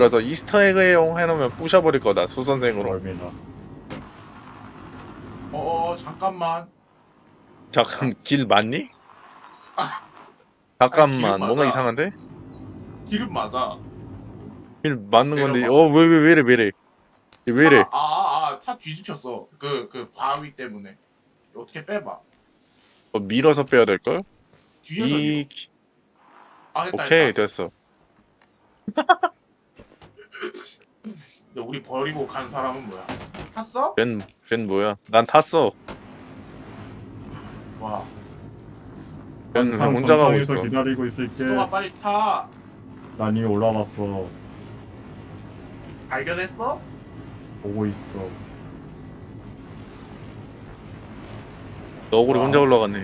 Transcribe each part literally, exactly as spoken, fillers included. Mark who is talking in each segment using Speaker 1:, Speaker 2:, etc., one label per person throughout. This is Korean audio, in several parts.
Speaker 1: 그래서 이스터에그용 해놓으면 부셔버릴 거다 수선생으로.
Speaker 2: 멀미나.
Speaker 3: 어어 잠깐만.
Speaker 1: 잠깐 길 맞니?
Speaker 3: 아, 아니 기름
Speaker 1: 잠깐만 뭔가
Speaker 3: 맞아.
Speaker 1: 이상한데?
Speaker 3: 기름 맞아.
Speaker 1: 길 맞는 건데
Speaker 3: 내려봐.
Speaker 1: 어 왜 왜 왜 이래 왜 이래 왜 이래?
Speaker 3: 차, 아, 아, 아, 차 뒤집혔어. 그, 그 바위 때문에. 어떻게 빼봐.
Speaker 1: 어, 밀어서 빼야 될 걸?
Speaker 3: 뒤에서 밀어.
Speaker 1: 이
Speaker 3: 아, 했다,
Speaker 1: 오케이
Speaker 3: 했다.
Speaker 1: 됐어.
Speaker 3: 근데 우리 버리고 간 사람은 뭐야? 탔어?
Speaker 1: 걘, 걘 뭐야? 난 탔어.
Speaker 3: 와,
Speaker 1: 걘
Speaker 2: 항상
Speaker 1: 혼자 가고
Speaker 2: 전장에서
Speaker 1: 있어.
Speaker 2: 기다리고 있을게.
Speaker 3: 수도가 빨리 타.
Speaker 2: 난 이미 올라왔어.
Speaker 3: 발견했어?
Speaker 2: 보고 있어.
Speaker 1: 너구리
Speaker 3: 와.
Speaker 1: 혼자 올라갔네.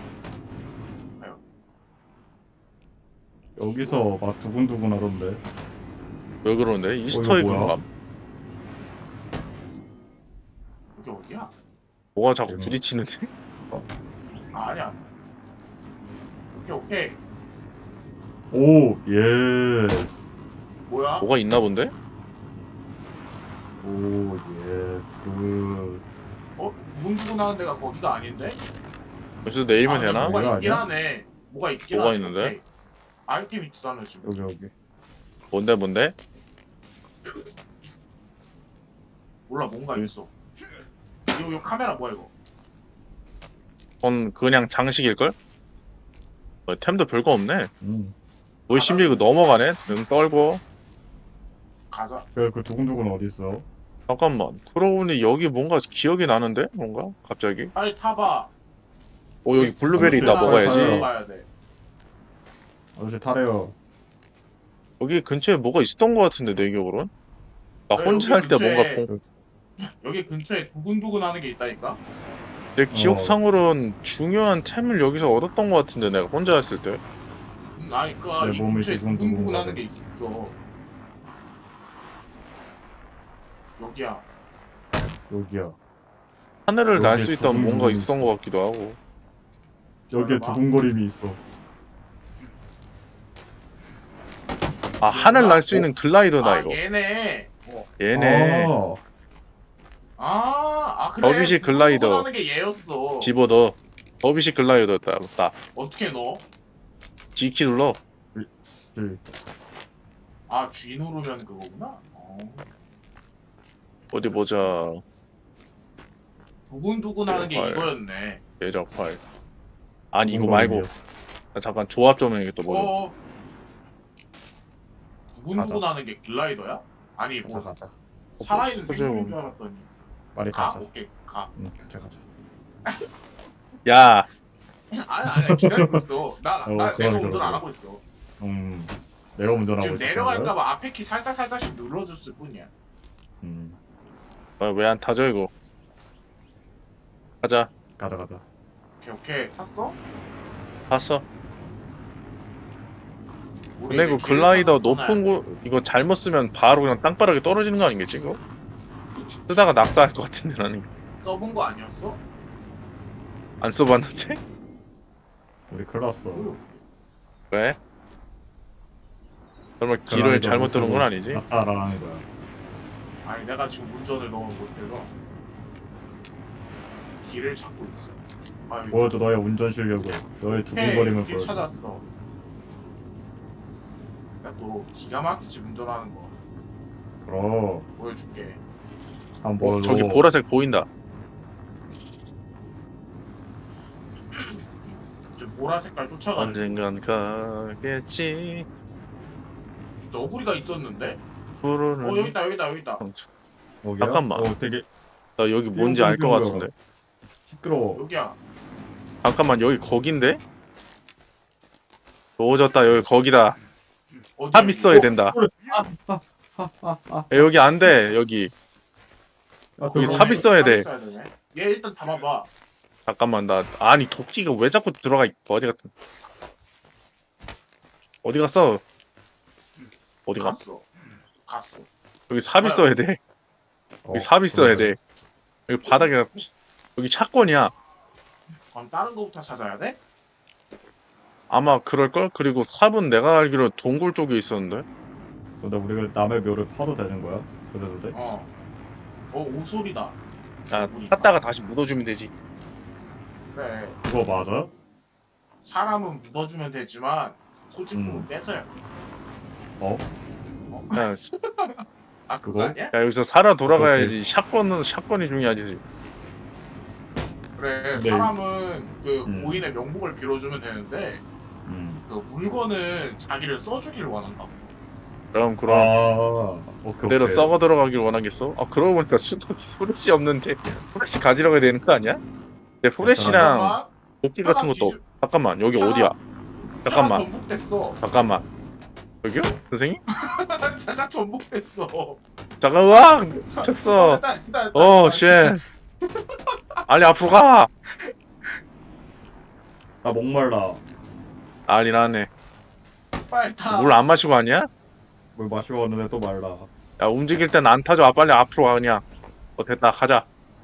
Speaker 2: 여기서 막 두근두근 하던데.
Speaker 1: 왜 그러는데? 이스터에그
Speaker 2: 뭐야?
Speaker 1: 건가?
Speaker 3: 여기 어디야?
Speaker 1: 뭐가 자꾸
Speaker 2: 음.
Speaker 1: 부딪히는데?
Speaker 3: 아, 아니야. 오케이, 오케이.
Speaker 2: 오, 예.
Speaker 3: 뭐야?
Speaker 1: 뭐가 있나 본데?
Speaker 2: 오, 예. 그,
Speaker 3: 어? 두근두근 하는 데가 거기가 아닌데?
Speaker 1: 여기서 내리면
Speaker 3: 아, 근데
Speaker 1: 되나?
Speaker 3: 뭐가
Speaker 2: 이거
Speaker 3: 있긴
Speaker 2: 아니야?
Speaker 3: 하네. 뭐가 있긴
Speaker 1: 뭐가
Speaker 3: 하네.
Speaker 1: 있는데?
Speaker 3: 오케이. 아이템 있잖아, 지금.
Speaker 2: 여기, 여기.
Speaker 1: 뭔데 뭔데?
Speaker 3: 몰라, 뭔가
Speaker 1: 음.
Speaker 3: 있어. 이거, 이거 카메라 뭐야, 이거?
Speaker 1: 그건 그냥 장식일걸? 어, 템도 별거 없네.
Speaker 2: 음.
Speaker 1: 뭐 심지어 이거 넘어가네? 응 떨고.
Speaker 3: 가자.
Speaker 2: 그, 그 두근두근 어딨어?
Speaker 1: 잠깐만. 그러고 보니 여기 뭔가 기억이 나는데? 뭔가? 갑자기?
Speaker 3: 빨리 타봐.
Speaker 1: 어 여기 블루베리 있다
Speaker 2: 아저씨,
Speaker 1: 먹어야지.
Speaker 2: 타요.
Speaker 3: 가야 돼.
Speaker 2: 아저씨 타래요.
Speaker 1: 여기 근처에 뭐가 있었던 것 같은데 내 기억으로는? 나
Speaker 3: 야,
Speaker 1: 혼자 할
Speaker 3: 여기
Speaker 1: 때 뭔가
Speaker 3: 근처에-
Speaker 1: 본...
Speaker 3: 여기 근처에 두근두근 하는 게 있다니까?
Speaker 1: 내 기억상으로는 중요한 템을 여기서 얻었던 것 같은데 내가 혼자 했을 때.
Speaker 3: 음, 아니, 그니까
Speaker 2: 내
Speaker 3: 이
Speaker 2: 몸이
Speaker 3: 근처에
Speaker 2: 두근두근
Speaker 3: 두근두근 하는
Speaker 2: 거려.
Speaker 3: 게 있어. 여기야.
Speaker 2: 여기야.
Speaker 1: 하늘을 날
Speaker 2: 여기에
Speaker 1: 수 있다면 뭔가
Speaker 2: 두근두근이
Speaker 1: 있었던
Speaker 2: 있어.
Speaker 1: 것 같기도 하고.
Speaker 2: 여기에
Speaker 3: 봐봐.
Speaker 2: 두근거림이 있어.
Speaker 1: 아 하늘 날 수 있는 글라이더다
Speaker 3: 아,
Speaker 1: 이거.
Speaker 3: 얘네. 어.
Speaker 1: 얘네.
Speaker 2: 아,
Speaker 3: 아, 아, 그래.
Speaker 1: 더비시
Speaker 3: 두근두근
Speaker 1: 글라이더.
Speaker 3: 하는 게 얘였어.
Speaker 1: 집어넣어. 더비시 글라이더였다. 딱.
Speaker 3: 어떻게 넣어?
Speaker 1: G키 눌러.
Speaker 2: 그,
Speaker 3: 아, G 누르면 그거구나? 어.
Speaker 1: 어디 보자.
Speaker 3: 두근두근 하는 게
Speaker 1: 헐.
Speaker 3: 이거였네.
Speaker 1: 예적 파일. 아니 이거
Speaker 2: 두근거림이야.
Speaker 1: 말고. 나 잠깐 조합 좀 해야겠다. 뭐 좀.
Speaker 3: 어. 두근두근
Speaker 2: 가자.
Speaker 3: 하는 게 글라이더야? 아니,
Speaker 2: 가자,
Speaker 3: 뭐,
Speaker 2: 가자.
Speaker 3: 살아있는
Speaker 1: 어,
Speaker 3: 생물인
Speaker 1: 뭐.
Speaker 3: 줄 알았더니.
Speaker 2: 빨리
Speaker 3: 가?
Speaker 2: 가자.
Speaker 3: 오케이, 가.
Speaker 2: 응, 가자, 가자.
Speaker 1: 야.
Speaker 3: 아니, 아니, 기다리고 있어. 나,
Speaker 2: 어,
Speaker 3: 나,
Speaker 2: 그러네,
Speaker 3: 내가 운전
Speaker 2: 그러네.
Speaker 3: 안 하고 있어.
Speaker 2: 음, 내가 운전하고
Speaker 3: 지금
Speaker 2: 있었던 거야?
Speaker 3: 내려갈까봐 앞에 키 살짝 살짝씩 눌러줬을 뿐이야.
Speaker 2: 음,
Speaker 1: 왜 안 타죠 이거? 가자.
Speaker 2: 가자, 가자.
Speaker 3: 오케이, 오케이. 탔어?
Speaker 1: 탔어.
Speaker 3: 우리
Speaker 1: 근데
Speaker 3: 이제
Speaker 1: 이거
Speaker 3: 길을
Speaker 1: 글라이더
Speaker 3: 찾아서 떠나야
Speaker 1: 높은
Speaker 3: 돼.
Speaker 1: 곳 이거 잘못 쓰면 바로 그냥 땅바닥에 떨어지는 거 아니겠지 이거? 쓰다가 낙사할 것 같은데 나는
Speaker 3: 써본 거 아니었어?
Speaker 1: 안 써봤는데?
Speaker 2: 우리 큰일 났어.
Speaker 1: 왜? 설마 길을
Speaker 2: 글라이더
Speaker 1: 잘못
Speaker 2: 못
Speaker 1: 들은 건
Speaker 2: 쓰고
Speaker 1: 아니지?
Speaker 2: 낙사라는 거야.
Speaker 3: 아니, 내가 지금 운전을 너무 못해서 길을 찾고 있어. 아유,
Speaker 2: 보여줘 너의 운전 실력을. 너의 두근거림을
Speaker 3: 길
Speaker 2: 보여줘.
Speaker 3: 찾았어. 내가 또 기가 막히지 운전하는 거
Speaker 2: 그럼
Speaker 3: 보여줄게.
Speaker 2: 한번
Speaker 1: 어,
Speaker 2: 보여줘.
Speaker 1: 저기 보라색 보인다.
Speaker 3: 지금 보라 색깔 쫓아가는
Speaker 1: 언젠간 가겠지.
Speaker 3: 너구리가 있었는데?
Speaker 1: 부르는
Speaker 3: 어, 여기 있다, 여기 있다, 여기 있다.
Speaker 2: 여기야?
Speaker 1: 잠깐만.
Speaker 2: 어, 되게
Speaker 1: 나 여기 뭔지 알 것 같은데.
Speaker 2: 시끄러워.
Speaker 3: 여기야.
Speaker 1: 잠깐만 여기 거긴데? 오졌다 여기 거기다.
Speaker 3: 어디?
Speaker 1: 탑 있어야 된다. 야, 여기 안 돼 여기.
Speaker 2: 야,
Speaker 1: 여기
Speaker 2: 그럼
Speaker 1: 삽 있어야 돼.
Speaker 3: 얘 일단 담아봐.
Speaker 1: 잠깐만 나 아니 도끼가 왜 자꾸 들어가 있 어디 갔 어디 갔어? 어디 가?
Speaker 3: 갔어. 갔어.
Speaker 1: 여기 삽 있어야 돼.
Speaker 2: 어,
Speaker 1: 여기 삽 있어야
Speaker 2: 그러네.
Speaker 1: 돼. 여기 바닥에 여기 차권이야.
Speaker 3: 그럼 다른 거부터 찾아야 돼?
Speaker 1: 아마 그럴걸? 그리고 삽은 내가 알기로 동굴 쪽에 있었는데.
Speaker 2: 근데 우리가 남의 묘를 파도 되는 거야? 그래도 돼?
Speaker 3: 어. 어 오소리다.
Speaker 1: 아 샀다가 다시 묻어주면 되지.
Speaker 3: 그래.
Speaker 2: 그거 맞아?
Speaker 3: 사람은 묻어주면 되지만 소지품은
Speaker 2: 음.
Speaker 3: 뺏어야 돼.
Speaker 2: 어?
Speaker 1: 야,
Speaker 3: 아 그거
Speaker 2: 그거?
Speaker 3: 아니야?
Speaker 1: 야 여기서 살아 돌아가야지. 샷건은 샷건이 중요하지.
Speaker 3: 그래.
Speaker 2: 네.
Speaker 3: 사람은 그
Speaker 2: 음.
Speaker 3: 고인의 명복을 빌어주면 되는데
Speaker 2: 음.
Speaker 3: 그 물건은 자기를 써주길 원한다.
Speaker 1: 그럼 그럼
Speaker 2: 아, 오케이,
Speaker 1: 그대로
Speaker 2: 오케이.
Speaker 1: 썩어 들어가길 원하겠어? 아 그러고 보니까 수덕이 후레쉬 없는데 후레쉬 가지러가야 되는 거 아니야? 근데 후레쉬랑
Speaker 3: 잠깐만.
Speaker 1: 도끼
Speaker 3: 차가
Speaker 1: 같은 것도 없-
Speaker 3: 뒤집-
Speaker 1: 잠깐만 여기
Speaker 3: 차가-
Speaker 1: 어디야?
Speaker 3: 차가
Speaker 1: 잠깐만
Speaker 3: 전복됐어.
Speaker 1: 잠깐만 여기요? 선생님?
Speaker 3: 차가 전복됐어.
Speaker 1: 잠깐 으악! 미쳤어
Speaker 3: 기다려, 기다려,
Speaker 1: 어
Speaker 3: 기다려.
Speaker 1: 쉣 아니 앞으로 가!
Speaker 2: 나 목말라.
Speaker 1: 아니 나네
Speaker 3: 빨리 타.
Speaker 1: 물 안 마시고 가냐?
Speaker 2: 물 마시고 왔는데 또 말라.
Speaker 1: 야 움직일 땐 안 타줘 아 빨리 앞으로 가 그냥 어 됐다 가자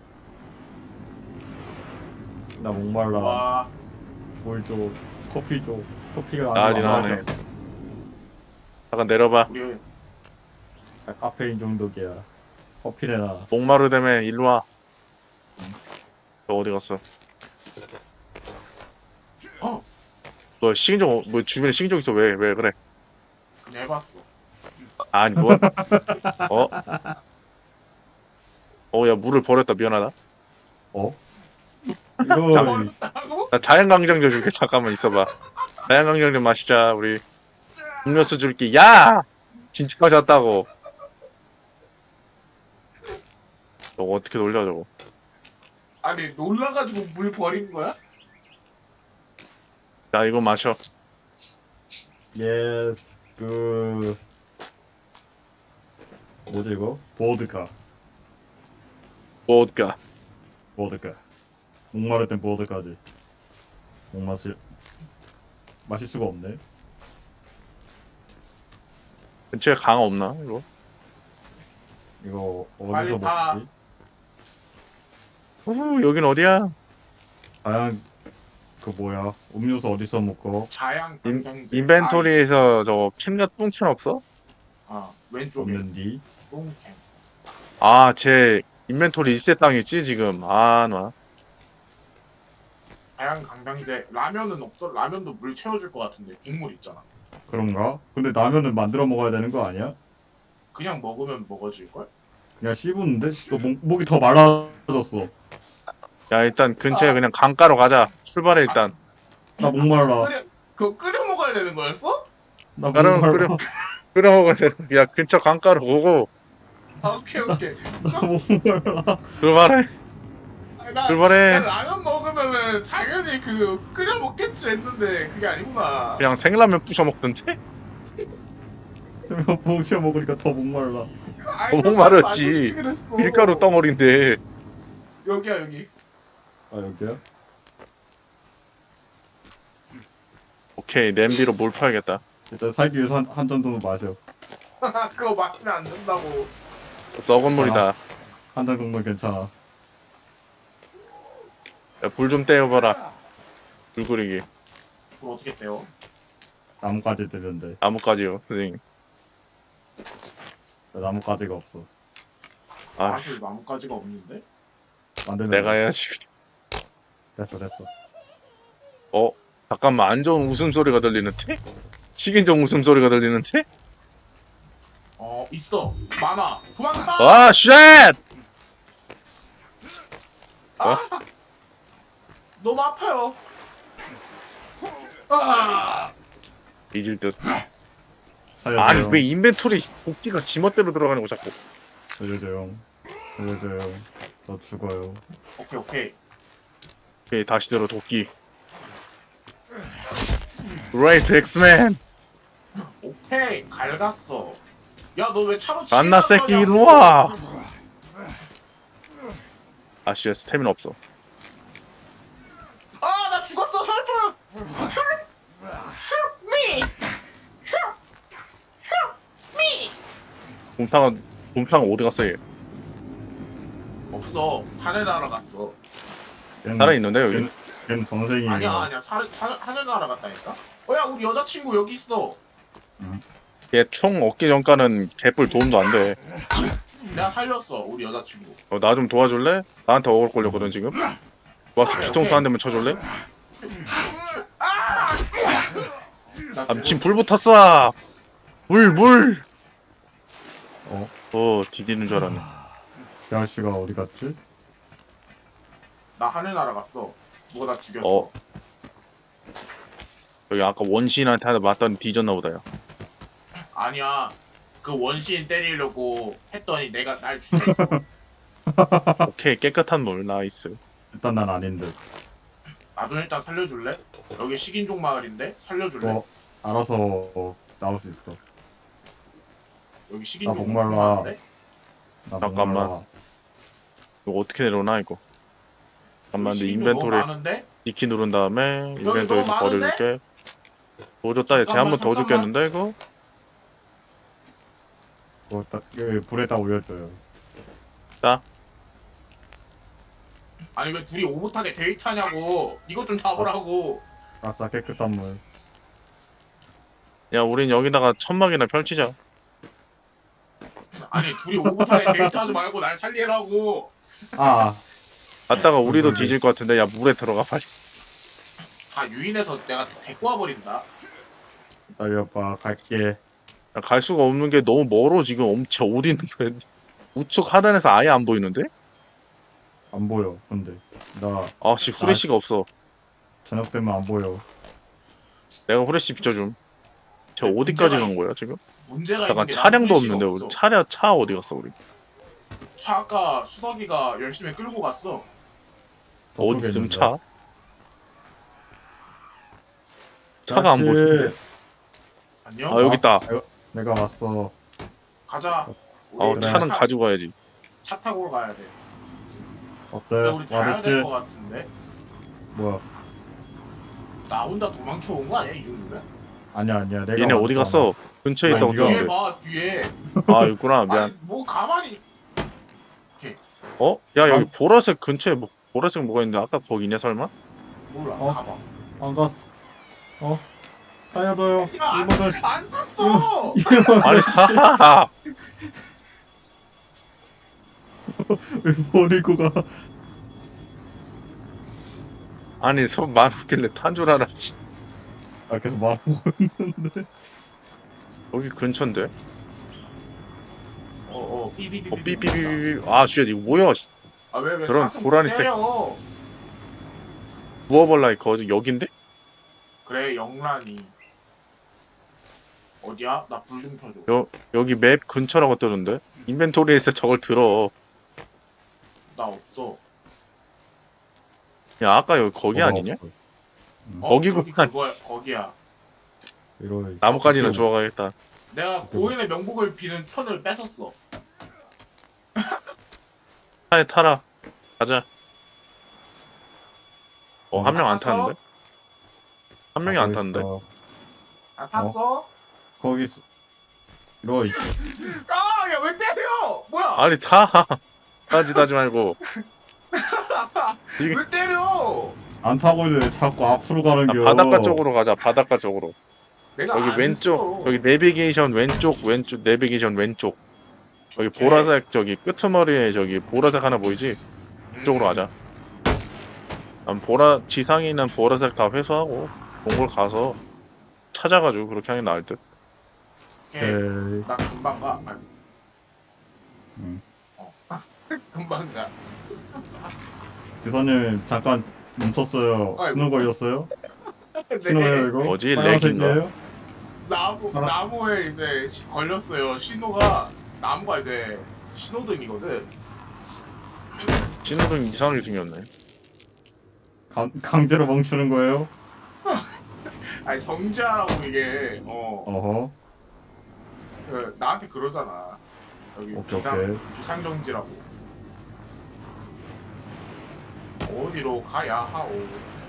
Speaker 2: 나 목말라.
Speaker 3: 와.
Speaker 2: 물 줘. 커피 줘. 커피가
Speaker 1: 난리
Speaker 2: 안
Speaker 1: 나네.
Speaker 2: 마셔.
Speaker 1: 잠깐 내려봐
Speaker 3: 우리
Speaker 2: 아, 카페인 중독이야. 커피 내놔.
Speaker 1: 목마르다며 일로와 너 어디 갔어?
Speaker 3: 어
Speaker 1: 너 식인종 어- 뭐 주변에 식인종 있어 왜 왜 그래
Speaker 3: 그냥 해봤어.
Speaker 1: 아니 뭐 어? 어 야 물을 버렸다 미안하다
Speaker 2: 어?
Speaker 1: 자,
Speaker 2: 이거
Speaker 3: 버렸다고?
Speaker 1: 나 자연강장 좀 줄게 잠깐만 있어봐 자연강장 좀 마시자 우리 음료수 줄게 야 진짜 마셨다고 저거 어떻게 돌려 저거
Speaker 3: 아니 놀라가지고 물 버린 거야?
Speaker 1: 야 이거 마셔
Speaker 2: 예스 그 뭐지 이거? 보드카.
Speaker 1: 보드카
Speaker 2: 보드카. 목마를 땐 보드카지. 목 마실 마실 수가 없네.
Speaker 1: 근처에 강 없나 이거
Speaker 2: 이거
Speaker 3: 빨리
Speaker 2: 어디서
Speaker 3: 타.
Speaker 2: 먹지?
Speaker 1: 후 여긴 어디야
Speaker 2: 다양 그 뭐야? 음료수 어디서 먹고?
Speaker 3: 자양
Speaker 1: 인,
Speaker 3: 강장제.
Speaker 1: 인벤토리에서 저거 캔과 똥캔 없어?
Speaker 3: 아, 아 왼쪽에
Speaker 2: 없는디?
Speaker 3: 똥캔.
Speaker 1: 아 제 인벤토리 일세 땅 있지 지금 아놔
Speaker 3: 자양 강장제 라면은 없어. 라면도 물 채워줄 것 같은데 국물 있잖아.
Speaker 2: 그런가? 근데 라면은 만들어 먹어야 되는 거 아니야?
Speaker 3: 그냥 먹으면 먹어질 걸?
Speaker 2: 그냥 씹었는데? 또 목, 목이 더 말라졌어.
Speaker 1: 야 일단 근처에 그냥 강가로 가자 출발해 일단
Speaker 2: 나 목말라.
Speaker 3: 끓여 그거 끓여 먹어야 되는 거였어?
Speaker 2: 나
Speaker 1: 나는
Speaker 2: 목말라.
Speaker 1: 끓여 끓여 먹어야 돼야 근처 강가로 오고
Speaker 3: 아, 오케이 오케이.
Speaker 2: 나 목말라.
Speaker 1: 출발해
Speaker 3: 아니, 나,
Speaker 1: 출발해.
Speaker 3: 나 라면 먹으면은 당연히 그 끓여 먹겠지 했는데 그게 아니구나.
Speaker 1: 그냥 생라면 부셔 먹던데?
Speaker 2: 목 치워 먹으니까 더 목말라.
Speaker 3: 아니,
Speaker 1: 너무
Speaker 3: 난
Speaker 1: 마렵지.
Speaker 3: 맛있지 그랬어.
Speaker 1: 밀가루 덩어리인데
Speaker 3: 여기야 여기.
Speaker 2: 아 여기야?
Speaker 1: 오케이 냄비로 물 퍼야겠다
Speaker 2: 일단 살기 위해서 한, 한 정도는 마셔.
Speaker 3: 그거 마시면 안 된다고.
Speaker 1: 썩은 물이다
Speaker 2: 한 잔 정도는 괜찮아.
Speaker 1: 불 좀 떼어봐라 불 끓이기
Speaker 3: 그걸 어떻게 떼어?
Speaker 2: 나뭇가지 되는데
Speaker 1: 나뭇가지요 선생님
Speaker 2: 나뭇가지가 없어.
Speaker 1: 아
Speaker 3: 사실 나뭇가지가 없는데?
Speaker 2: 만들면
Speaker 1: 내가
Speaker 2: 돼.
Speaker 1: 해야지
Speaker 2: 됐어 됐어.
Speaker 1: 어? 잠깐만 안 좋은 웃음소리가 들리는데? 식인종 웃음소리가 들리는데?
Speaker 3: 어 있어. 많아. 도망가.
Speaker 1: 아 쉣!
Speaker 3: 너무 아파요. 아.
Speaker 1: 잊을 듯
Speaker 2: 살려줘요.
Speaker 1: 아니 왜 인벤토리 도끼가 지멋대로 들어가는 거 자꾸
Speaker 2: 살려줘요. 살려줘요. 너 죽어요.
Speaker 3: 오케이 오케이.
Speaker 1: 오케이 다시 들어 도끼 Right 엑스맨
Speaker 3: 오케이 갈갔어. 야 너 왜 차로
Speaker 1: 안나
Speaker 3: 치려고
Speaker 1: 새끼
Speaker 3: 그러냐고.
Speaker 1: 일로와 아씨 스태미나 없어
Speaker 3: 아, 나 죽었어. 헬프. Help me. Help. Help me.
Speaker 1: 곰탕은 곰탕은 어디 갔어 얘
Speaker 3: 없어. 하늘 날아갔어.
Speaker 2: 걔는-
Speaker 1: 살아있는데 여기
Speaker 2: 걔는, 걔는 전생이.
Speaker 3: 아니야 아니야. 사, 사, 하늘 날아갔다니까. 어야 우리 여자친구 여기 있어.
Speaker 1: 걔 총 얻기 전까는 개뿔 도움도 안 돼.
Speaker 3: 내가 살렸어 우리 여자친구.
Speaker 1: 어, 나 좀 도와줄래? 나한테 억울 걸렸거든 지금. 와서 뒤통수 한 대만 쳐줄래?
Speaker 3: 나
Speaker 1: 아 미친 불 붙었어. 물 물.
Speaker 2: 어?
Speaker 1: 어 디디는 줄 알았네.
Speaker 2: 이 아저씨가 어디 갔지?
Speaker 3: 나 하늘나라 갔어. 누가 나 죽였어.
Speaker 1: 어. 여기 아까 원시인한테 하나 맞더니 뒤졌나 보다요.
Speaker 3: 아니야. 그 원시인 때리려고 했더니 내가 날 죽였어.
Speaker 1: 오케이 깨끗한 물 나이스.
Speaker 2: 일단 난 아닌 듯.
Speaker 3: 나도 일단 살려줄래? 여기 식인종 마을인데 살려줄래?
Speaker 2: 어, 알아서 어, 나올 수 있어.
Speaker 3: 여기 식인종
Speaker 2: 목말라.
Speaker 3: 마을인데?
Speaker 2: 나
Speaker 1: 잠깐만.
Speaker 2: 목말라.
Speaker 1: 이거 어떻게 내려오나 이거. 잠깐만 내
Speaker 3: 식인종 너무
Speaker 1: 인벤토리
Speaker 3: 많은데?
Speaker 1: 이키 누른 다음에
Speaker 3: 너무
Speaker 1: 인벤토리에서
Speaker 3: 많은데?
Speaker 1: 버려줄게. 더 줬다. 쟤 한 번 더
Speaker 3: 잠깐만,
Speaker 1: 죽겠는데 이거?
Speaker 2: 어, 딱, 여기 불에다 올려줘요.
Speaker 3: 아니 왜 둘이 오붓하게 데이트하냐고. 이것 좀 잡으라고.
Speaker 2: 아싸 깨끗한 물.
Speaker 1: 야 우린 여기다가 천막이나 펼치자.
Speaker 3: 아니 둘이 오붓하게 데이트하지 말고 날 살리라고.
Speaker 2: 아,
Speaker 1: 갔다가 우리도
Speaker 2: 그러게.
Speaker 1: 뒤질 것 같은데 야 물에 들어가 빨리.
Speaker 3: 다 유인해서 내가 데리고 와버린다.
Speaker 2: 기다려봐 갈게.
Speaker 1: 야, 갈 수가 없는 게 너무 멀어 지금. 엄청 어디 있는 거야? 우측 하단에서 아예 안 보이는데?
Speaker 2: 안 보여. 근데 나
Speaker 1: 아씨 후레쉬가 없어.
Speaker 2: 저녁 되면 안 보여.
Speaker 1: 내가 후레쉬 비춰줌. 쟤
Speaker 3: 문제가
Speaker 1: 어디까지 간
Speaker 3: 있-
Speaker 1: 거야 지금?
Speaker 3: 문제가
Speaker 1: 잠깐
Speaker 3: 있는 게
Speaker 1: 차량도
Speaker 3: 난 후레쉬가
Speaker 1: 없는데 우리
Speaker 3: 없어.
Speaker 1: 차량 차 어디 갔어 우리?
Speaker 3: 차 아까 수덕이가 열심히 끌고 갔어.
Speaker 1: 어디
Speaker 2: 저쪽에
Speaker 1: 있음
Speaker 2: 있는데.
Speaker 1: 차? 차가 안
Speaker 2: 아저씨,
Speaker 1: 보이는데?
Speaker 3: 안녕?
Speaker 1: 아 여기 있다.
Speaker 2: 내가, 내가 왔어.
Speaker 3: 가자.
Speaker 1: 어
Speaker 3: 우리
Speaker 1: 차는
Speaker 3: 차,
Speaker 1: 가지고 가야지.
Speaker 3: 차 타고 가야 돼.
Speaker 2: 어때?
Speaker 3: 근데 우리 가야
Speaker 2: 와르지?
Speaker 3: 될 것 같은데.
Speaker 2: 뭐야?
Speaker 3: 나 혼자 도망쳐 온 거 아니야 이 정도면?
Speaker 2: 아니야 아니야. 내가
Speaker 1: 얘네 어디
Speaker 2: 왔잖아.
Speaker 1: 갔어? 근처에
Speaker 2: 아니,
Speaker 1: 있다고
Speaker 2: 네가-
Speaker 3: 뒤에
Speaker 1: 들었는데.
Speaker 3: 봐 뒤에.
Speaker 1: 아 있구나 미안.
Speaker 3: 아니 뭐 가만히.
Speaker 1: 어? 야 여기
Speaker 2: 아.
Speaker 1: 보라색 근처에 뭐 보라색 뭐가 있는데 아까 거기냐 설마?
Speaker 3: 몰라.
Speaker 2: 어?
Speaker 3: 가봐.
Speaker 2: 안 갔어. 어? 살려줘요.
Speaker 3: 야안
Speaker 2: 이번은
Speaker 3: 안 탔어.
Speaker 1: 아니 다.
Speaker 2: 왜 버리고 가?
Speaker 1: 아니 손 많았길래 탄 줄 알았지.
Speaker 2: 아 계속 말하고.
Speaker 1: 여기 근처인데?
Speaker 3: 어어 삐삐삐.
Speaker 1: 어 삐삐삐삐. 아 쉣 이거 뭐야? 씨.
Speaker 3: 아왜왜
Speaker 1: 그런 고라니 색-
Speaker 3: 때려.
Speaker 1: 무어벌라이커 어디 여긴데?
Speaker 3: 그래 영란이. 어디야? 나 불 좀 켜줘.
Speaker 1: 여 여기 맵 근처라고 뜨는데? 인벤토리에서 저걸 들어.
Speaker 3: 나 없어.
Speaker 1: 야 아까 여기 거기
Speaker 2: 뭐가
Speaker 1: 아니냐?
Speaker 2: 없어. 음.
Speaker 3: 어,
Speaker 1: 거기구나.
Speaker 3: 저기 그거야 거기야.
Speaker 2: 이러
Speaker 1: 나뭇가지나 주워가겠다.
Speaker 3: 내가 고인의 명복을 비는 턴을 뺏었어.
Speaker 1: 차에 타라. 가자. 어 한
Speaker 2: 음.
Speaker 1: 명 안
Speaker 3: 탔어?
Speaker 1: 타는데? 한 명이 안 타는데?
Speaker 3: 아 탔어?
Speaker 2: 거기 있어. 이러 있-
Speaker 3: 아, 야 왜 때려? 뭐야?
Speaker 1: 아니 타. 따지도 하지 말고. 이게-
Speaker 3: 왜 때려?
Speaker 2: 안 타고 있는데 자꾸 앞으로 가는
Speaker 1: 아,
Speaker 2: 겨.
Speaker 1: 바닷가 쪽으로 가자. 바닷가 쪽으로.
Speaker 3: 내가
Speaker 1: 여기
Speaker 3: 안
Speaker 1: 왼쪽.
Speaker 3: 했어.
Speaker 1: 여기 내비게이션 왼쪽 왼쪽 내비게이션 왼쪽. 여기
Speaker 3: 오케이.
Speaker 1: 보라색 저기 끄트머리에 저기 보라색 하나 보이지?
Speaker 3: 음.
Speaker 1: 그쪽으로 가자. 난 보라 지상에 있는 보라색 다 회수하고 동굴 가서 찾아가지고 그렇게 하는 게 나을 듯.
Speaker 3: 오케이.
Speaker 2: 오케이.
Speaker 3: 나 금방 가. 아니,
Speaker 2: 응.
Speaker 3: 어. 금방 가.
Speaker 2: 기사님 잠깐 멈췄어요.
Speaker 3: 아이고.
Speaker 2: 신호 걸렸어요?
Speaker 3: 근데
Speaker 2: 신호예요 이거?
Speaker 1: 뭐지?
Speaker 2: 빨간색이에요?
Speaker 3: 나무
Speaker 2: 하나.
Speaker 3: 나무에 이제 시- 걸렸어요. 신호가 나무가 이제 신호등이거든.
Speaker 1: 신호등 이상하게 생겼네.
Speaker 2: 강, 강제로 멈추는 거예요?
Speaker 3: 아니 정지하라고 이게 어
Speaker 2: 어허.
Speaker 3: 그, 나한테 그러잖아. 여기
Speaker 2: 오케이
Speaker 3: 비상
Speaker 2: 오케이.
Speaker 3: 비상 정지라고. 어디로 가야 하오?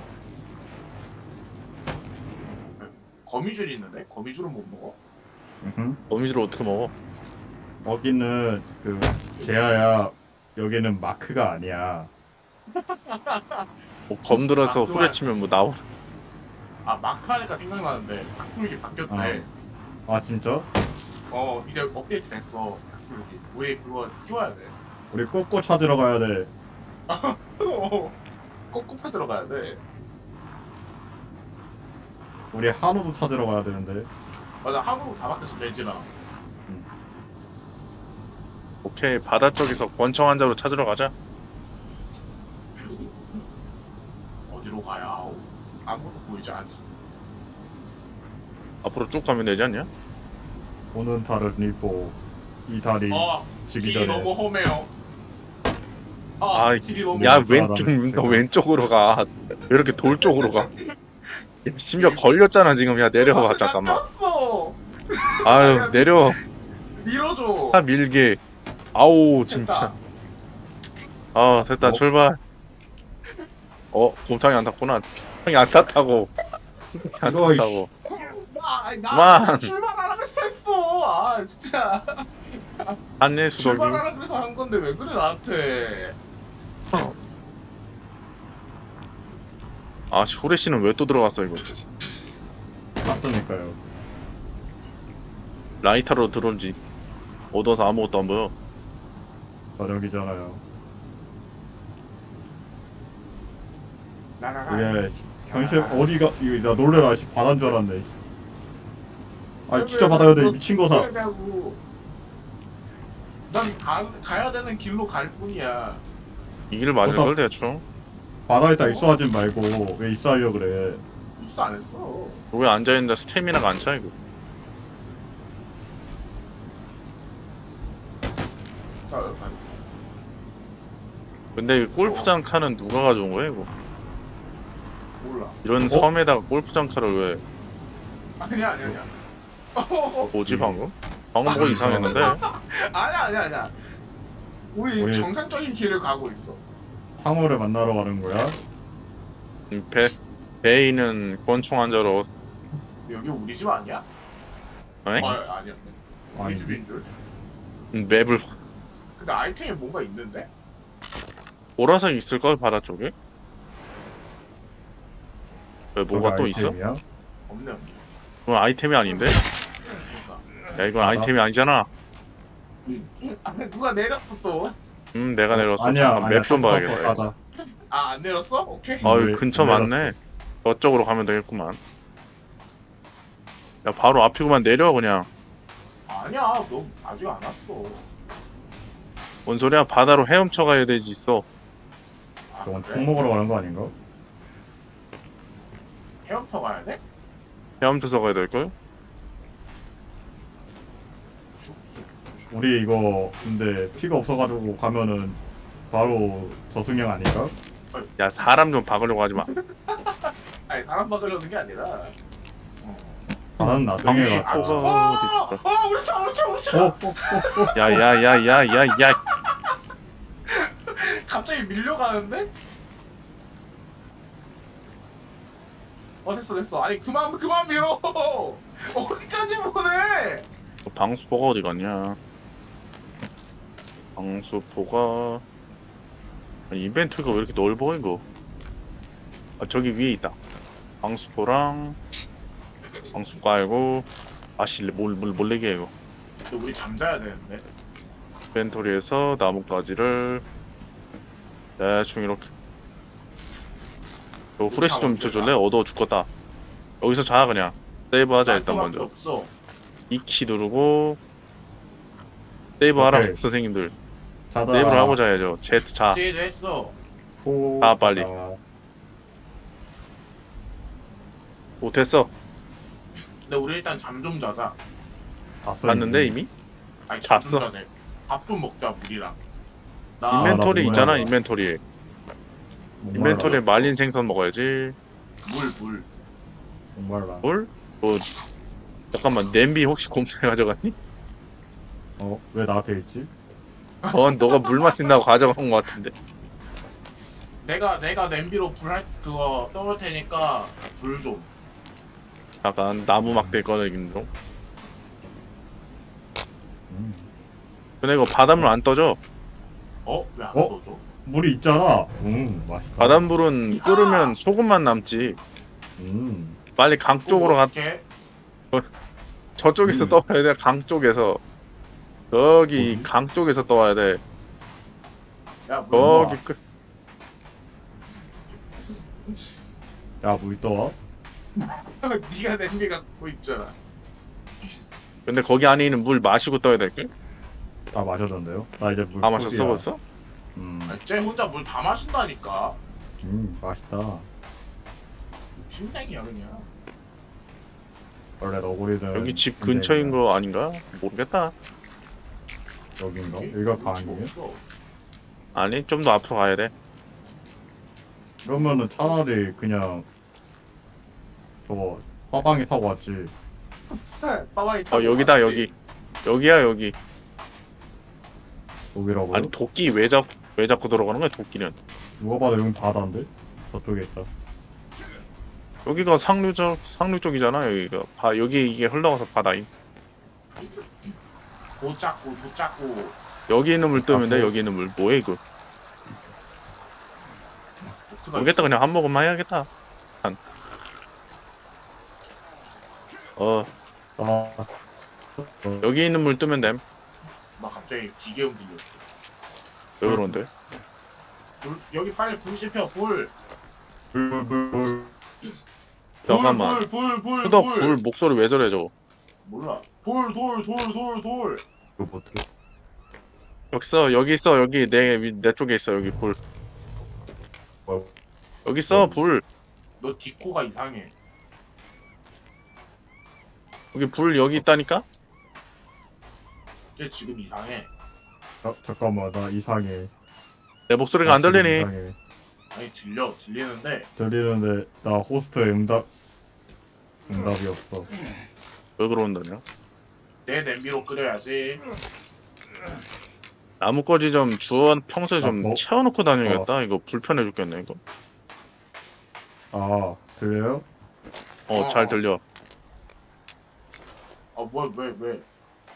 Speaker 3: 거미줄 있는데 거미줄은 못 먹어.
Speaker 2: 으흠.
Speaker 1: 거미줄을 어떻게 먹어?
Speaker 2: 여기는 그 제아야. 여기는 마크가 아니야.
Speaker 1: 뭐 검들어서
Speaker 3: 아,
Speaker 1: 후려치면 뭐 나오.
Speaker 3: 아 마크 하니까 생각나는데 탁구이게 바뀌었네.
Speaker 2: 아 진짜?
Speaker 3: 어 이제 업데이트 됐어. 우리 그거 키워야 돼.
Speaker 2: 우리 꼬꼬 찾으러 가야 돼.
Speaker 3: 어, 꼭꼭 찾으러 가야 돼.
Speaker 2: 우리 한우도 찾으러 가야 되는데.
Speaker 3: 맞아 한국 다 바뀌었어 돼지랑.
Speaker 1: 오케이 바다 쪽에서 권총 환자로 찾으러 가자.
Speaker 3: 어디로 가야 하오? 아무것도 보이지 않지.
Speaker 1: 앞으로 쭉 가면 되지 않냐?
Speaker 2: 오는 달을 입고 이 달이
Speaker 3: 어
Speaker 2: 지기
Speaker 3: 길이
Speaker 2: 전에.
Speaker 3: 너무 험해요. 아
Speaker 1: 아이,
Speaker 3: 길이 너무
Speaker 1: 야
Speaker 2: 음,
Speaker 1: 왼쪽
Speaker 2: 나는
Speaker 1: 너
Speaker 2: 제가-
Speaker 1: 왼쪽으로 가. 왜 이렇게 돌 쪽으로 가? 야, 심지어 걸렸잖아 지금. 야 내려와
Speaker 3: 아,
Speaker 1: 잠깐만.
Speaker 3: 꼈어.
Speaker 1: 아유 내려.
Speaker 3: 밀어줘.
Speaker 1: 차 밀게. 아우 진짜. 아 됐다
Speaker 2: 어?
Speaker 1: 출발. 어 곰탕이 안 탔구나. 곰탕이 안 탔다고. 곰탕이 안
Speaker 2: 이거, 이씨.
Speaker 1: 탔다고.
Speaker 3: 아, 나
Speaker 1: 그만.
Speaker 3: 출발하라 그래서 했어. 아 진짜
Speaker 1: 안내 수덕이.
Speaker 3: 출발하라 그래서 한 건데 왜 그래 나한테?
Speaker 1: 아 후레 씨는 왜 또 들어갔어 이거?
Speaker 2: 땄으니까요.
Speaker 1: 라이터로 들어온지 얻어서 아무것도 안 보여.
Speaker 2: 저녁이잖아요.
Speaker 3: 나나나.
Speaker 2: 이게 현실 어디가 이거 나 놀래라. 씨 바다인 줄 알았네. 아 진짜 바다야 돼 미친 거사.
Speaker 3: 그러냐고. 난 가, 가야 되는 길로 갈 뿐이야.
Speaker 1: 이 길 맞을 걸 대충.
Speaker 2: 바다에다 입수하지 말고 왜 입수하려 그래?
Speaker 3: 입수 안 했어.
Speaker 1: 왜 앉아있는데 스태미나가 안 차 이거.
Speaker 3: 자, 여기 가자.
Speaker 1: 근데 이 골프장 칸은 누가 가져온 거야 이거?
Speaker 3: 몰라.
Speaker 1: 이런 섬에다가 골프장 칸을 왜
Speaker 3: 아니야 아니야 아니야. 어,
Speaker 1: 뭐지 방금? 방금 뭐가 이상했는데?
Speaker 3: 아니야 아니야 아니야. 우리,
Speaker 2: 우리-
Speaker 3: 정상적인 길을 가고 있어.
Speaker 2: 상어를 만나러 가는 거야?
Speaker 1: 음, 배 배에 있는 권총 환자로.
Speaker 3: 여기 우리 집 아니야?
Speaker 1: 에?
Speaker 3: 어, 아니야. 우리
Speaker 2: 아니지.
Speaker 3: 집인들.
Speaker 1: 음, 맵을
Speaker 3: 근데 아이템이 뭔가 있는데?
Speaker 1: 보라색 있을 걸 바다 쪽에? 왜 뭐가
Speaker 2: 저기
Speaker 1: 또 있어?
Speaker 2: 아이템이야?
Speaker 3: 없네 없네.
Speaker 1: 그건 아이템이 아닌데?
Speaker 3: 그러니까.
Speaker 1: 야 이건
Speaker 2: 바다?
Speaker 1: 아이템이 아니잖아.
Speaker 3: 아, 누가 내렸어 또?
Speaker 1: 음 내가 내렸어.
Speaker 2: 아니야
Speaker 1: 잠깐
Speaker 2: 아니야.
Speaker 1: 맵 좀
Speaker 2: 탔어,
Speaker 1: 봐야겠다.
Speaker 2: 가자.
Speaker 3: 아 안 내렸어? 오케이.
Speaker 2: 아,
Speaker 1: 아유
Speaker 2: 왜-
Speaker 1: 근처
Speaker 2: 왜 내렸어?
Speaker 1: 맞네. 저쪽으로 가면 되겠구만. 야 바로 앞이구만. 내려 그냥.
Speaker 3: 아니야 너 아직 안 왔어.
Speaker 1: 뭔 소리야? 바다로 헤엄쳐 가야 되지 있어.
Speaker 3: 아,
Speaker 2: 저건
Speaker 3: 그래?
Speaker 2: 총 먹으러 가는 거 아닌가?
Speaker 3: 헤엄터 가야 돼?
Speaker 1: 헤엄쳐서 가야 될걸?
Speaker 2: 우리 이거 근데 피가 없어가지고 가면은 바로 저승형 아닌가?
Speaker 1: 야 사람 좀 박으려고 하지 마.
Speaker 3: 아니 사람 박으려는 게 아니라. 어.
Speaker 2: 나는 나중에
Speaker 1: 방금
Speaker 2: 가서.
Speaker 1: 포가
Speaker 3: 어,
Speaker 1: 어디 있다.
Speaker 3: 어, 우리 차, 우리 차, 우리
Speaker 2: 어?
Speaker 3: 차.
Speaker 2: 어? 어?
Speaker 1: 야야야야야야.
Speaker 3: 갑자기 밀려가는데? 어 됐어 됐어. 아니 그만 그만 밀어. 어디까지 보내?
Speaker 1: 방수포가 어디 갔냐? 방수포가 아니, 인벤토리가 왜 이렇게 넓어 이거? 아 저기 위에 있다. 방수포랑 방수 깔고 아씨 뭘뭘 몰래게 이거.
Speaker 3: 근데 우리 잠자야 되는데.
Speaker 1: 인벤토리에서 나뭇가지를 대충 이렇게. 요 후레쉬 좀 비춰줄래? 어두워 죽겠다. 여기서 자 그냥. 세이브하자 일단
Speaker 3: 깔끔한 게
Speaker 1: 먼저.
Speaker 3: 없어.
Speaker 1: 이 키 누르고 세이브하라
Speaker 2: 오케이.
Speaker 1: 선생님들.
Speaker 2: 자다.
Speaker 1: 세이브를 하고 자야죠. Z 자.
Speaker 3: 제이도 했어.
Speaker 2: 호-
Speaker 1: 아, 빨리.
Speaker 2: 자,
Speaker 1: 오 됐어.
Speaker 3: 근데 우리 일단 잠 좀 자자.
Speaker 2: 잤어,
Speaker 1: 봤는데 이미?
Speaker 3: 아니 잠 좀
Speaker 1: 잤어.
Speaker 3: 자자. 밥 좀 먹자 물이랑. 나
Speaker 2: 인벤-
Speaker 1: 인벤토리
Speaker 2: 나
Speaker 1: 있잖아
Speaker 2: 몰라요.
Speaker 1: 인벤토리에.
Speaker 2: 목말라.
Speaker 1: 인벤토리에 말린 생선 먹어야지.
Speaker 3: 물 물.
Speaker 2: 목말라.
Speaker 1: 뭘? 뭐 잠깐만 냄비 혹시 곰탕에 가져갔니?
Speaker 2: 어? 왜 나한테 있지?
Speaker 1: 어 너가 물 마신다고 가져간 것 같은데.
Speaker 3: 내가 내가 냄비로 불 할 그거 떠올 테니까 불 좀.
Speaker 1: 약간 나무 막대 꺼내긴 좀.
Speaker 2: 음.
Speaker 1: 근데 이거 바닷물 안 떠져.
Speaker 3: 어? 왜 안
Speaker 2: 어?
Speaker 3: 떠줘?
Speaker 2: 물이 있잖아. 음, 맛있다.
Speaker 1: 바닷물은 끓으면 소금만 남지.
Speaker 2: 음.
Speaker 1: 빨리 강 쪽으로 가.
Speaker 3: 어떡해?
Speaker 1: 저쪽에서
Speaker 2: 음.
Speaker 1: 떠와야 돼. 강 쪽에서. 저기
Speaker 2: 뭐지?
Speaker 1: 강 쪽에서 떠와야 돼.
Speaker 3: 야물
Speaker 1: 거기 끝.
Speaker 2: 야물 떠와?
Speaker 3: 네가 냄비 갖고 있잖아.
Speaker 1: 근데 거기 안에 있는 물 마시고 떠야 될걸?
Speaker 2: 다 마셨는데요? 나 이제 물
Speaker 1: 다 마셨어
Speaker 2: 포기야.
Speaker 1: 벌써?
Speaker 2: 음,
Speaker 3: 아, 쟤 혼자 물 다 마신다니까.
Speaker 2: 음 맛있다.
Speaker 3: 심장이야 그냥.
Speaker 2: 원래 너구리는
Speaker 1: 여기 집
Speaker 2: 근데
Speaker 1: 근처인
Speaker 2: 그냥
Speaker 1: 거 아닌가? 모르겠다.
Speaker 2: 여긴가?
Speaker 3: 여기
Speaker 2: 여기가
Speaker 3: 위치가
Speaker 2: 강이에요?
Speaker 3: 없어.
Speaker 1: 아니 좀 더 앞으로 가야 돼.
Speaker 2: 그러면은 차라리 그냥 저거 화방에 타고 왔지.
Speaker 3: 빠바이
Speaker 1: 어 여기다 여기. 여기야 여기.
Speaker 2: 여기라고요?
Speaker 1: 아니 도끼 왜, 잡, 왜 자꾸 들어가는 거야 도끼는?
Speaker 2: 누가 봐도 여긴 바다인데? 저쪽에 있다.
Speaker 1: 여기가 상류 쪽 상류 쪽이잖아 여기가. 바 여기 이게 흘러가서 바다임.
Speaker 3: 못 잡고 못 잡고.
Speaker 1: 여기 있는 물 뜨면 돼.
Speaker 2: 아, 뭐.
Speaker 1: 여기 있는 물 뭐해 이거?
Speaker 3: 어떡하지?
Speaker 1: 모르겠다 그냥 한 모금만 해야겠다. 한. 어
Speaker 2: 아, 어,
Speaker 1: 여기 있는 물 뜨면 됨.
Speaker 3: 나 갑자기 기계음 들렸어.
Speaker 1: 왜 그런데?
Speaker 3: 불, 여기 빨리 불 지펴 불.
Speaker 2: 불, 불, 불.
Speaker 1: 잠깐만.
Speaker 3: 불불불불
Speaker 1: 후덕 불 목소리 왜 저래 저거?
Speaker 3: 몰라. 돌 돌 돌 돌 돌.
Speaker 2: 이거 뭐 어떻게?
Speaker 1: 여기 있어 여기 있어 여기 내 위- 내 쪽에 있어 여기 불.
Speaker 2: 뭐야?
Speaker 1: 여기 있어 불.
Speaker 3: 너 디코가 이상해.
Speaker 1: 여기 불 여기 있다니까?
Speaker 3: 걔 지금 이상해.
Speaker 2: 아, 잠깐만 나 이상해.
Speaker 1: 내 목소리가 안
Speaker 2: 나 지금
Speaker 1: 들리니?
Speaker 2: 이상해.
Speaker 3: 아니 들려 들리는데
Speaker 2: 들리는데 나 호스트 응답 응답이 없어.
Speaker 1: 왜 그런다냐?
Speaker 3: 내 냄비로 끓여야지.
Speaker 1: 나뭇가지 좀 주워 평소에 좀
Speaker 2: 아, 뭐?
Speaker 1: 채워놓고 다녀야겠다. 이거 불편해 죽겠네 이거.
Speaker 2: 아 들려요?
Speaker 1: 어
Speaker 3: 어,
Speaker 1: 잘
Speaker 3: 어.
Speaker 1: 들려.
Speaker 3: 아뭐왜 왜? 왜?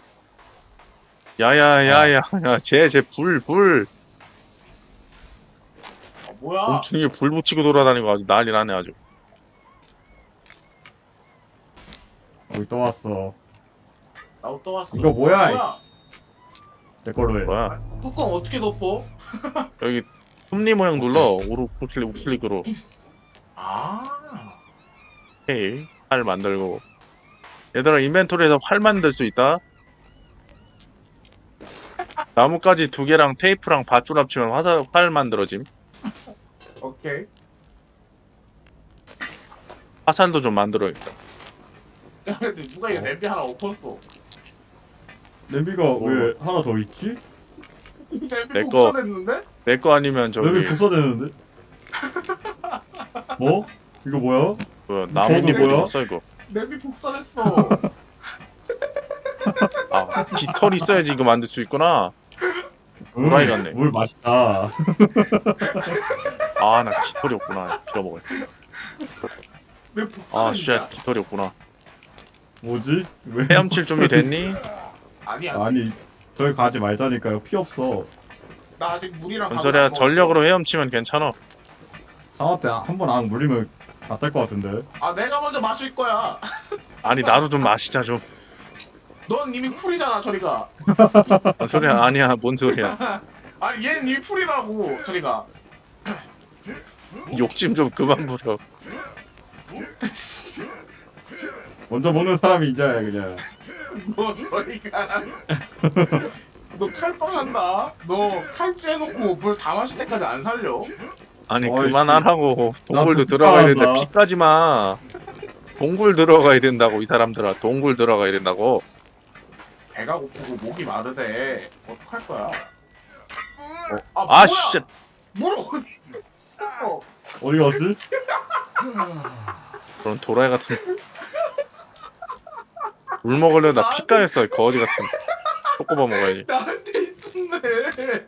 Speaker 1: 야야야야 야쟤쟤불 불.
Speaker 3: 아 뭐야?
Speaker 1: 곰충이 불 붙이고 돌아다니고 아주 난리 나네 아주.
Speaker 2: 여기 또 왔어.
Speaker 3: 나도 떠왔어.
Speaker 2: 이거 뭐야,
Speaker 3: 뭐야?
Speaker 2: 내 걸로 해.
Speaker 1: 뭐야?
Speaker 3: 뚜껑 어떻게 덮어?
Speaker 1: 여기 톱니 모양 눌러. 오르 우클릭 우클릭으로.
Speaker 3: 아.
Speaker 1: 헤이 활 만들고. 얘들아 인벤토리에서 활 만들 수 있다. 나뭇가지 두 개랑 테이프랑 밧줄 합치면 화살 활 만들어짐.
Speaker 3: 오케이.
Speaker 1: 화살도 좀 만들어야겠다.
Speaker 3: 야 근데 누가 이거 냄비 하나 엎었어?
Speaker 2: 냄비가 왜 하나 더 있지?
Speaker 3: 냄비
Speaker 1: 내 거.
Speaker 3: 복사됐는데?
Speaker 1: 내 거 아니면 저기
Speaker 2: 냄비 복사되는데? 뭐? 이거 뭐야?
Speaker 1: 그 나뭇잎
Speaker 2: 저거 뭐야?
Speaker 1: 어디 갔어 이거?
Speaker 3: 냄비 복사됐어.
Speaker 1: 아 깃털 있어야지 이거 만들 수 있구나. 호랑이 같네.
Speaker 2: 물 맛있다.
Speaker 1: 아 나 깃털이 없구나. 빌어먹을.
Speaker 3: 왜 복사됐냐?
Speaker 1: 아쉣 깃털이 없구나.
Speaker 2: 뭐지? 왜?
Speaker 1: 헤엄칠 준비 됐니?
Speaker 3: 아니 아니.
Speaker 2: 아니 저기 가지 말자니까요. 피 없어.
Speaker 3: 나 아직 물이랑
Speaker 1: 뭔
Speaker 3: 밥을
Speaker 1: 소리야?
Speaker 3: 안 먹었어.
Speaker 1: 전력으로 헤엄치면 괜찮아.
Speaker 2: 상어 때 한 번 안 물리면 다 뗄 것 같은데.
Speaker 3: 아 내가 먼저 마실 거야.
Speaker 1: 아니 나도 좀 마시자 좀.
Speaker 3: 넌 이미 풀이잖아 저리가.
Speaker 1: 뭔 소리야? 아니야 뭔 소리야?
Speaker 3: 아니 얘는 이미 풀이라고 저리가.
Speaker 1: 욕심 좀 그만 부려.
Speaker 2: 먼저 먹는 사람이 이자야 그냥.
Speaker 3: 너 저리가. 너 칼빵한다. 너 칼찌해놓고 물 다 마실 때까지 안 살려.
Speaker 1: 아니
Speaker 2: 어이,
Speaker 1: 그만하라고. 동굴도
Speaker 2: 나도
Speaker 1: 들어가야 되는데
Speaker 2: 피곤하다.
Speaker 1: 피까지 마. 동굴 들어가야 된다고 이 사람들아. 동굴 들어가야 된다고.
Speaker 3: 배가 고프고 목이 마르대. 어떡할 거야? 아,
Speaker 1: 아
Speaker 3: 뭐야?
Speaker 1: 씨.
Speaker 3: 물 어디 있어?
Speaker 2: 어디 갔지?
Speaker 1: 그런 도라이 같은. 물 먹으려다 피 까였어 거지 같은. 꼬꼬바 먹어야지.
Speaker 3: 나한테 있었네.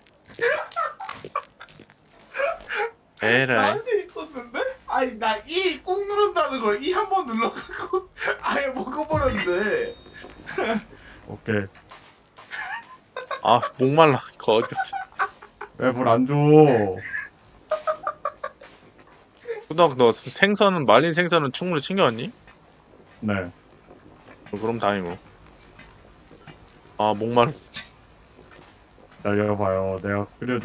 Speaker 1: 에라이.
Speaker 3: 나한테 있었는데? 아니 나 이 꾹 누른다는 걸 이 한 번 눌러갖고 아예 먹어버렸는데.
Speaker 2: 오케이.
Speaker 1: 아 목말라 거지 같은.
Speaker 2: 왜 물 안 줘?
Speaker 1: 후덕 너 생선은 말린 생선은 충분히 챙겨왔니?
Speaker 2: 네.
Speaker 1: 어, 그럼 다행이고. 아 목마르.
Speaker 2: 기다려봐요. 내가 끓여